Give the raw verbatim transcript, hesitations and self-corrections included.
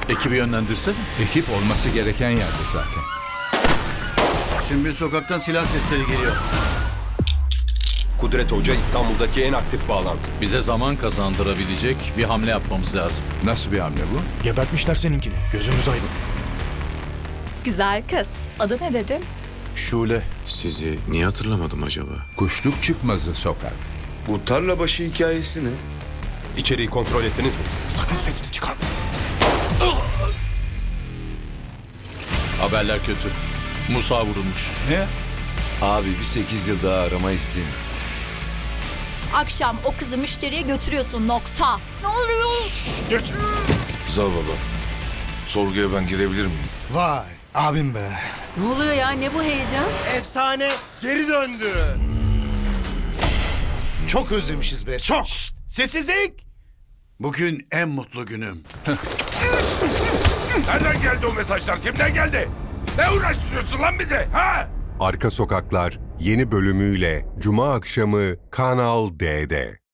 Ekibi yönlendirsene. Ekip olması gereken yerde zaten. Sümbül sokaktan silah sesleri geliyor. Kudret Hoca İstanbul'daki en aktif bağlantı. Bize zaman kazandırabilecek bir hamle yapmamız lazım. Nasıl bir hamle bu? Gebertmişler seninkini. Gözümüz aydın. Güzel kız. Adı ne dedin? Şule. Sizi niye hatırlamadım acaba? Kuşluk çıkmazı sokar. Bu tarlabaşı hikayesi ne? İçeriği kontrol ettiniz mi? Sakın sesini çıkarma. Haberler kötü. Musa vurulmuş. Ne? Abi bir sekiz yıl daha arama isteyeyim. Akşam o kızı müşteriye götürüyorsun, nokta. Ne oluyor? Geç. Zal baba. Sorguya ben girebilir miyim? Vay abim be. Ne oluyor ya? Ne bu heyecan? Efsane geri döndü. Çok özlemişiz be. Çok. Sessizlik! Bugün en mutlu günüm. Nereden geldi o mesajlar? Kimden geldi? Ne uğraştırıyorsun lan bize? Ha? Arka Sokaklar yeni bölümüyle Cuma akşamı Kanal D'de.